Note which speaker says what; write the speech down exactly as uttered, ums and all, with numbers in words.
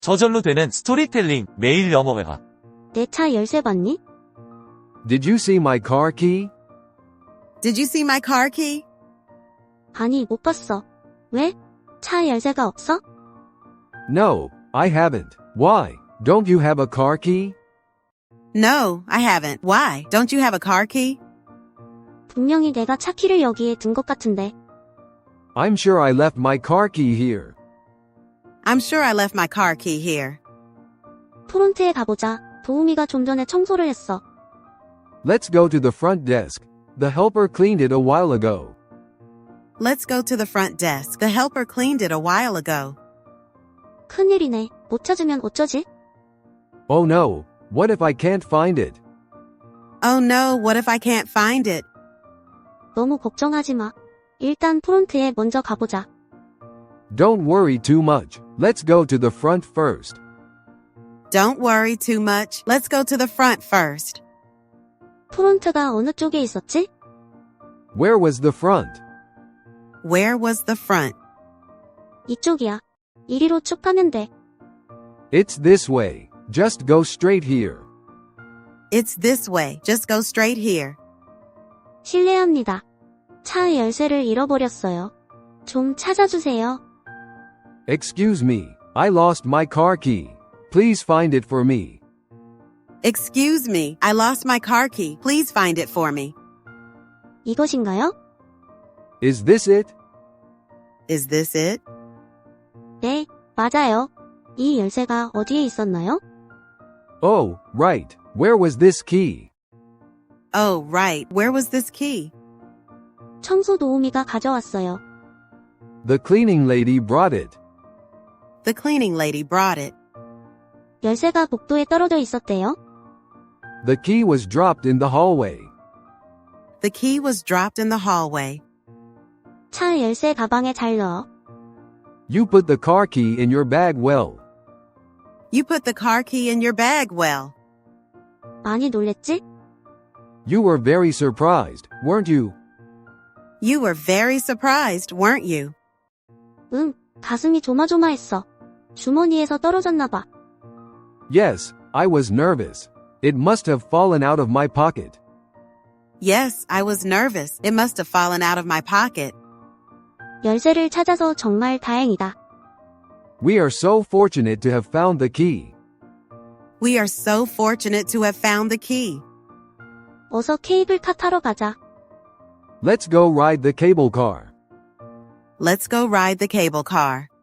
Speaker 1: 저절로 되는 스토리텔링 매일 영어회화.
Speaker 2: 내 차 열쇠 봤니?
Speaker 3: Did you see my car key?
Speaker 4: Did you see my car key?
Speaker 2: 아니, 못 봤어. 왜? 차 열쇠가 없어?
Speaker 3: No, I haven't. Why? Don't you have a car key?
Speaker 4: No, I haven't. Why? Don't you have a car key?
Speaker 2: 분명히 내가 차 키를 여기에 둔 것 같은데.
Speaker 3: I'm sure I left my car key here.
Speaker 4: I'm sure I left my car key here.
Speaker 2: 프론트에 가보자. 도우미가 좀 전에 청소를 했어.
Speaker 3: Let's go to the front desk. The helper cleaned it a while ago.
Speaker 4: Let's go to the front desk. The helper cleaned it a while ago.
Speaker 2: 큰일이네. 못 찾으면 어쩌지?
Speaker 3: Oh no, what if I can't find it?
Speaker 4: Oh no, what if I can't find it?
Speaker 2: 너무 걱정하지 마. 일단 프론트에 먼저 가보자.
Speaker 3: Don't worry too much. Let's go to the front first.
Speaker 4: Don't worry too much. Let's go to the front first.
Speaker 2: 프론트가 어느 쪽에 있었지?
Speaker 3: Where was the front?
Speaker 4: Where was the front?
Speaker 2: 이쪽이야. 이리로 쭉 가면 돼.
Speaker 3: It's this way. Just go straight here.
Speaker 4: It's this way. Just go straight here.
Speaker 2: 실례합니다. 차 열쇠를 잃어버렸어요. 좀 찾아주세요.
Speaker 3: Excuse me. I lost my car key. Please find it for me.
Speaker 4: Excuse me, I lost my car key. Please find it for me.
Speaker 2: 이것인가요?
Speaker 3: Is this it?
Speaker 4: Is this it?
Speaker 2: 네, 맞아요. 이 열쇠가 어디에 있었나요?
Speaker 3: Oh, right. Where was this key?
Speaker 4: Oh, right. Where was this key?
Speaker 2: 청소 도우미가 가져왔어요.
Speaker 3: The cleaning lady brought it.
Speaker 4: The cleaning lady brought it.
Speaker 2: 열쇠가 복도에 떨어져 있었대요.
Speaker 3: The key was dropped in the hallway.
Speaker 4: The key was dropped in the hallway.
Speaker 2: 차 열쇠 가방에 잘 넣어.
Speaker 3: You put the car key in your bag well.
Speaker 4: You put the car key in your bag well.
Speaker 2: 많이 놀랬지?
Speaker 3: You were very surprised, weren't you?
Speaker 4: You were very surprised, weren't you?
Speaker 2: 응, 가슴이 조마조마했어. 주머니에서 떨어졌나 봐.
Speaker 3: Yes, I was nervous. It must have fallen out of my pocket.
Speaker 4: Yes, I was nervous. It must have fallen out of my pocket.
Speaker 2: 열쇠를 찾아서 정말 다행이다.
Speaker 3: We are so fortunate to have found the key.
Speaker 4: We are so fortunate to have found the key.
Speaker 2: 어서 케이블카 타러 가자.
Speaker 3: Let's go ride the cable car.
Speaker 4: Let's go ride the cable car.